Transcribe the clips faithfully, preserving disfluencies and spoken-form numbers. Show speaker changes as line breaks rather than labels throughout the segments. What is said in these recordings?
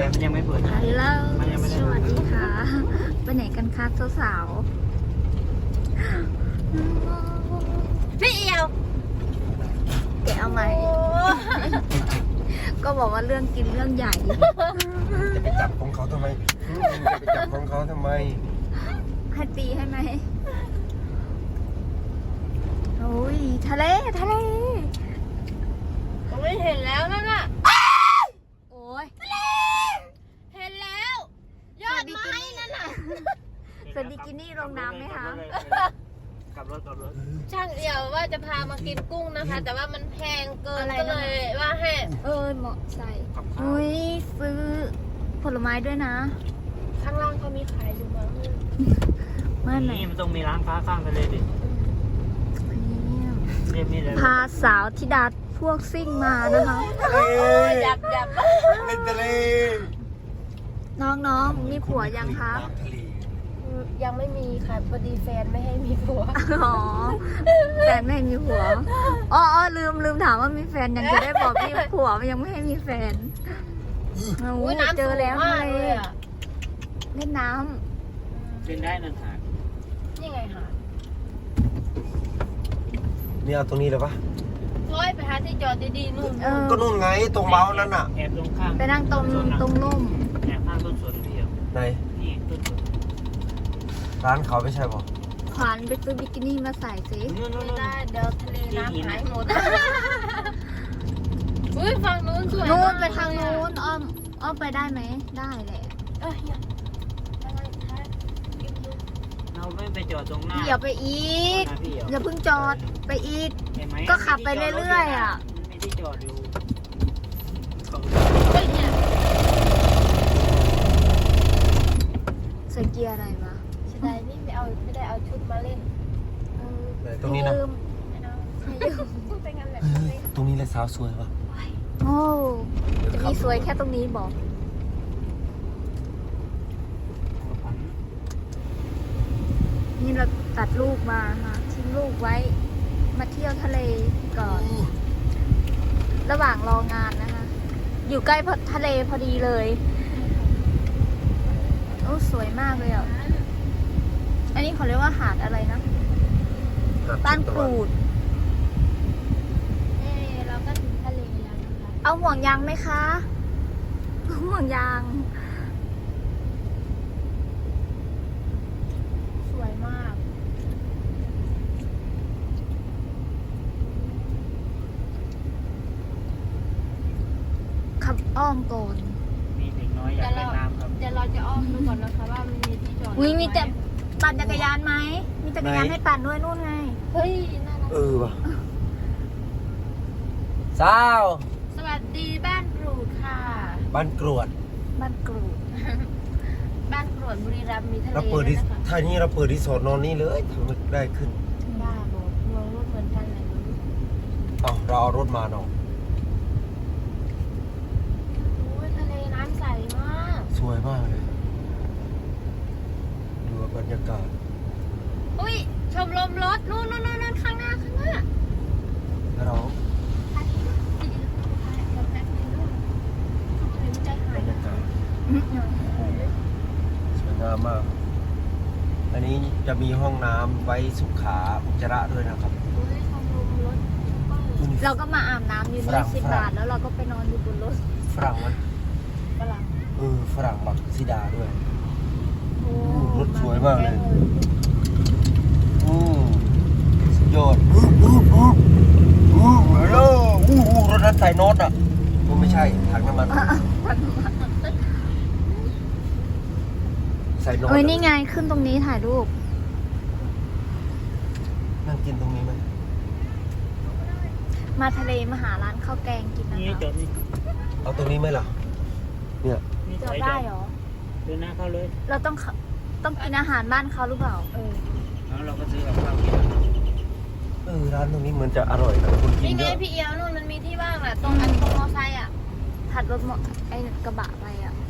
แต่มันยังไม่เปิด
ฮัลโหล
มันยังไม่ได้
สวัสดีค่ะ ไปไหนกันคะสาวๆพี่เอียวแกเอาไหม ก็บอกว่าเรื่องกินเรื่องใหญ่
จะไปจับของเขาทำไมจะไปจับของเขาทำไม
ให้ตีให้ไหมโอ้ยทะเลทะเล
ไม่เห็นแล้วนั่นน่ะ
โอ้ย
เห็นแล้ว ยอดไม้นั่นน่ะ
สวัสดีกินี่ลงน้ำไหมคะ
ขับรถขับรถ
ช่างเดียวว่าจะพามากินกุ้งนะคะ แต่ว่ามันแพงเกินก็เลยว่าให้
เออเหมาะใส่
ขับข้าว
อุ้ยซื้อผลไม้ด้วยนะ
ข้างล่างเขามีขายอยู่มั้ง
เมื่อไหร่
นี่มันต้องมีร้านค้าข้างทะเลดิเรียบนี่เลย
พาสาวธิดาพวกซิ่งมานะคะ
เฮ้ย
ยับยับ
เล่นทะเล
น้องๆ มีผัวยังคะ
น้ำทะเล
ยังไม่มีค่ะพอดีแฟนไม่ให้มีผัว
อ๋อ แฟนไม่ให้มีผัว อ๋ออ๋อลืมลืมถามว่ามีแฟนยังจะได้บอกมีผัวยังไม่ให้มีแฟนโอ้
อุ้ย
ย
น้ำ
เจอแล้ว
สูง
ทะ
มาก
เล
เลยอ่ะ
เล่นน้
เป็นได้นั่นหา
นี่ไงหาด
นี่เอาตรงนี้เลยปะ
ร้อยไปหาที่จอดดีๆนู่น
ำเออ
ก็นู่นไงตรงเมาส์นั่นน่ะ
แอบตรงข้าง
ไปนั่งตรงตรงร่ม
แอบข้างต้นสนพี่เดียว
ไหน
นี่ต้นสน
ร้านเขาไม่ใช่ปะ
ขวานไปซื้อบิกินี่มาใส่สิ
นู่นนู่น
ไม่
นู่น
ได้เดี๋ยวทะเลน้ำหายหมดอุ้ยฝั่งนู้นสวย
นู้น
มก
ไปทางนู้นอ้อมอ้อมไปได้ไหม ได้แหละ
เอ้ยอย่าอะไรคะกินดู
เราไม่ไปจอดตรงหน้า
พี่อย่าไปอีก
หน้าพี่เดียว
อย่าเพิ่งจอดไปอีก
เห็นไหม
ก็ขับไปเรื่อยๆอะ
มันไม่ได้จอดอยู่
เฮ้ยเนี่ย
ใส่เกียร์อะไรวะ
เสียดายนี่ไม่เอาไม่ได้เอาชุดมาเล่น
ไหนตรงนี้นะ
ลืม
ไม่เอาไม่ยืมพูดไปงั้นแหละ
เฮ้ยตรงนี้เลยสาวสวยปะ
โอ้
เดี๋ยว
จะ
ขับ
มีสวยแค่ตรงนี้บอก นี่เราตัดลูกมาค่ะทิ้งลูกไว้ มาเที่ยวทะเลก่อน ระหว่างรองานนะคะ อยู่ใกล้ทะเลพอดีเลย โอ้สวยมากเลยอ่ะ อันนี้เขาเรียกว่าหาดอะไรนะ บ้านกรูด
เอ้เราก็ถึงทะเลแล้วนะคะ
เอาห่วงยางไหมคะ ห่วงยาง
สวยมาก
ขับอ้อมก่อน
มีเด็กน้อยอยากเล่นน้ำครับ
เดี๋ยวเราจะอ้อมดูก่อนนะคะว่ามันมีที่จอด
อุ้ยมีแต่ปั่นจักรยานไหม มีจักรยานให้ปั่นด้วยนู่นไง
เฮ้ยน่ารัก
เออปะสาว
สวัสดีบ้านกรูดค่ะ
บ้านกรวด
บ้านกรูด
บ้านกรวดบุรีรัมย์มีทะเล
เราเปิด
ด้ว
ที่
ยนะคะ
ถ้านี้เราเปิดที่สอนนอนนี่เลยทำไมได้ขึ้น
บ้าบอเมืองรถเหมือนกันเลย
เอาเราเอารถมาเนาะ
โอ้ยทะเลน้ำใสมาก
สวยมากเลย ดูบรรยากาศ
อุ้ยชมรมรถนู่นนู่นนู่นข้างหน้าข้างหน้า
แล้วเรา บรรยากาศสวยงามมาก อันนี้จะมีห้องน้ำไว้สุขาอุจจาระด้วยนะครับ
เราก็มาอาบน้ำอยู่
ฝรั่
นี่
ง
สิบ
ฝรั่ง
บาท แล้วเราก็ไปนอนอยู่บนรถ
ฝรั่งมัน
ฝรั่ง
เออฝรั่งบักซิดาด้วย
โอ้
รถสวยมากเลย อืมสุดยอดอู้อู้อู้อู้ฮัลโหลอู้อู้รถนั้นใส่โน็อตอ่ะก็ไม่ใช่ถังน้ำมันใส่โน็อต
เอ้ยนี่ไงขึ้นตรงนี้ถ่ายรูป
นั่งกินตรงนี้ไหม
มาทะเลมาหาร้านข้าวแกงกินนะ
นี่
คะ
จอดนี่
เอาตรงนี้ไหมล่ะ เนี่ย
นี่
จ
ถ
อ
อ
ด
ย
ได้เหรอ
เดินหน้าเข้าเลย
เราต้องเข้าต้องกินอาหารบ้านเขาหรือเปล่า
เออ
แล้วเราก็ซื้อกับข้าวกิน
เออร้านตรงนี้เหมือนจะอร่อยนะคนกิน
นี่ไง
เยอะ
พี่เอียวนู่นมันมีที่ว่างแหละตรงอันตรงมอไซค์อ่ะ
ถัดรถมอไอ้กระบะไปอ่ะ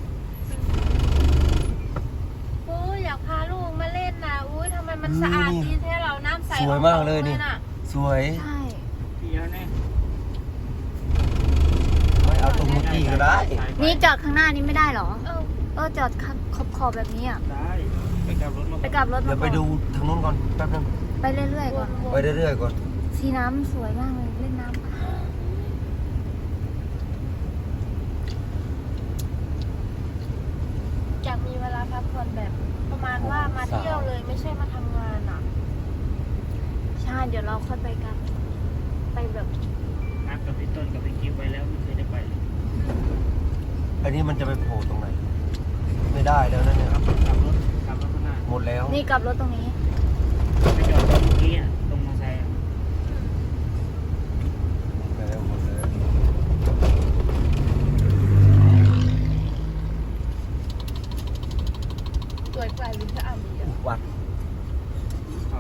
โอ้ยอยากพาลูกมาเล่นนะอุ้ยทำไมมันสะอาดดีแท้เราน้ำใส
สวยมากเลยนี่
น่ะ
สวย
ใช่
พี่เดียวเนี่ย
ไม่เอาตรงเมื่อกี้ก็ได้
นี่จอดข้างหน้านี้ไม่ได้เหรอ
เออ
เออจอดข้างขอบขอบแบบนี้อ่ะ
ได้ไปกลับรถมา
ไปกลับรถ
เดี๋ยวไปดูทางนู้นก่อนแป๊บนึง
ไปเรื่อยๆก่อน
ไปเรื่อยๆก่อน
สีน้ำสวยมากเลยเล่นน้ำ
อยากมีเวลาพักผ่อนแบบ ประมาณว่ามาเที่ยวเลยไม่ใช่มาทำงานอ่ะ
ใช่เดี๋ยวเราค่อยไปกัน ไปแบบ
นัดกับพี่ต้นกับพี่กิ๊ฟไปแล้วไม่เคยได้ไปเลย
อันนี้มันจะไปโผล่ตรงไหน ไม่ได้แล้วนะเนี่ย
กลับกลับรถกลับรถข้างหน้า
หมดแล้ว
นี่กลับรถตรงนี้
ไปจอดตรงเมื่อกี้อ่ะตรงมอเตอร์ไซค์อ่ะ
หมดแล้วหมดแล้ว
สวยกว่าลินจะอ่ำอีกอะ
วัด
ครับ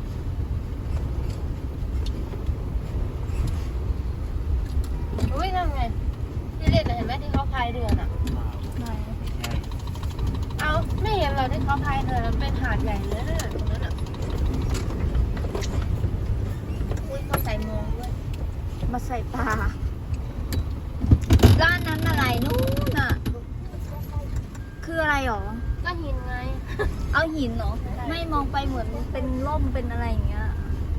อุ้ยนั่นไงที่เล่นน่ะเห็นไหมที่เขาพายเรือน่ะ
ไหน
ใช่
เอาไม่เห็นเราที่เขาพายเรือมันเป็นหาดใหญ่เลยนะตรงนั้นอ่ะอุ้ยเขาใส่หมวกด้วย
มาใส่ตาร้านนั้นอะไรนู่นน่ะ คืออะไรหรอ
ก็หินไง
เอาหินเหรอ ไม่มองไปเหมือนเป็นร่มเป็นอะไรอย่างเงี้ย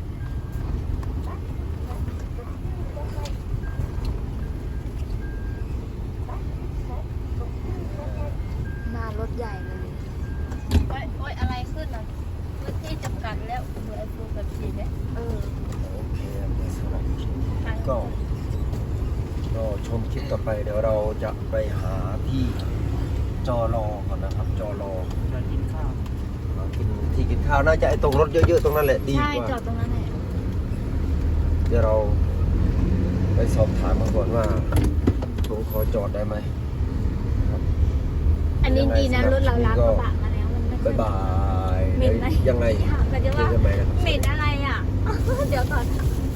มารถใหญ่เลย
โอ้ยโอ้ยอะไรขึ้นอ่ะพื้นที่จำกัดแล้วเหมือนไอ้ฟูแบบสีไหม
เออ
โอเคสำหรับ
ทาง
ก็ก็ชมคลิปต่อไปเดี๋ยวเราจะไปหาที่จอรอก่อนนะครับ จอรอ
เรากินข้าว
หากินที่กินข้าวน่าจะไอ้ตรงรถเยอะๆตรงนั้นแหละดี
ใช่
กว่า
จอดตรงนั้นแหละ
เดี๋ยวเราไปสอบถามมาก่อนว่าผมขอจอดได้ไหมครับ
อันนี้ดีนะรถเราล้างกระบะมาแล้วมันไม่ค่
บ๊า
อย ย
บาย
เหม็นไหม
ยังไง
ถามกันจะ
เจ
ว่า
อกันใหม่นะครับ
เหม็นอะไรอ่ะ เดี๋ยวก่อน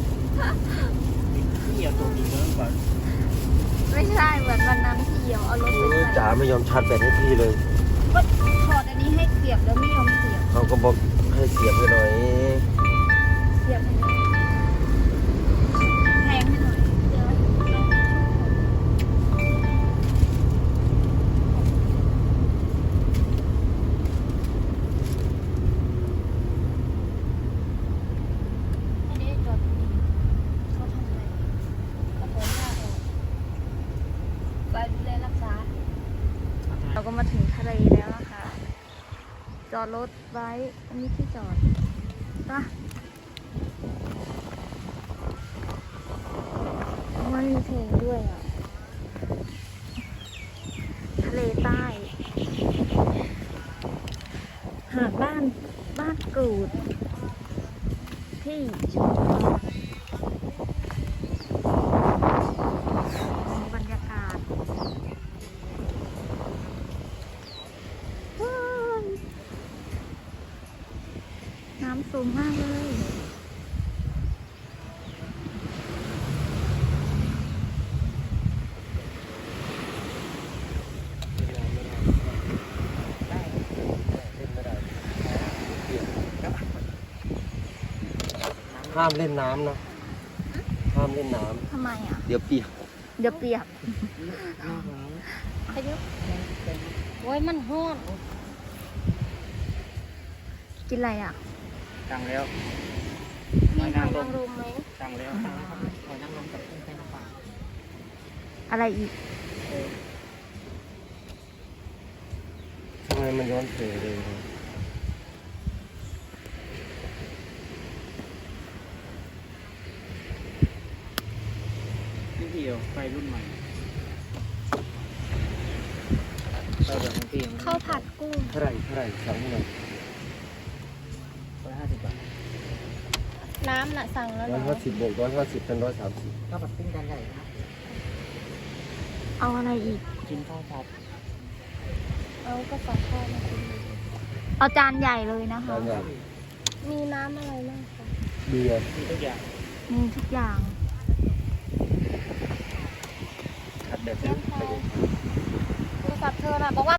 เที่ยวตัวนี้เยอะกว่า
ไม่ใช่เหมือนวันนั้นที่เหี่ยวเอารถไป
เออ
ใส่
จ๋าไม่ยอมชาร์จแบตให้พี่เลย
ก็ถอดอันนี้ให้เสียบแล้วไม่ยอมเสียบ
เขาก็บอกให้เสียบให้หน่อย
เสียบให้หน่อยแทงให้หน่อยเดี๋ยว
อันนี้จอดนี่เขาทำอะไรเขาถอนหญ้าออกไปดูแลรักษา
เราก็มาถึงทะเลแล้วนะคะ จอดรถไว้อันนี้ที่จอดป่ะมันมีเพลงด้วยอ่ะ ทะเลใต้ หาดบ้านบ้านกรูด ที่ชุมพรบรรยากาศว้าวน้ำสูงมากเลย
ห้ามเล่นน้ำนะ ห้ามเล่นน้
ทำไมอ่ะ
ำเดี๋ยวเปียก
เดี๋ยวเปียก
อายุโอ้ยมันห้อน
กินอะไรอ่ะ
สั่งแล้ว
มีหอยนางรมไหม
สั่งแล้วสั่งแล้วครับขอนั่งลงกับกุ้งไส้น้ำปลา
อะไรอีก
ทำไมมันย้อนเสยเลยครับ
พี่เดียวไฟรุ่นใหม่ไปแบบของพี่
ข้าวผัดกุ้ง
เท่าไหร่เท่าไหร่สั่งให้หน่อย
ร้อยห้าสิบบาท
น้ำน่ะสั่งแล้ว
ร้อย
เนาะ
ห้าสิบบวกร้อยห้าสิบเป็นร้อยสามสิบ
ข้าวผัดกุ้งจานใหญ่ครับ
เอาอะไรอีก
กินข้าวผัด
เอาก็สั่งข้าวมากินเลย
เอาจานใหญ่เลยนะคะ
จานใหญ่
มีน้ำอะไรบ้างคะ
เบียร์
มีทุกอย่าง
มีทุกอย่าง
ขัดแบบ
น้ำพอโทรศัพท์เธอน่ะบอกว่า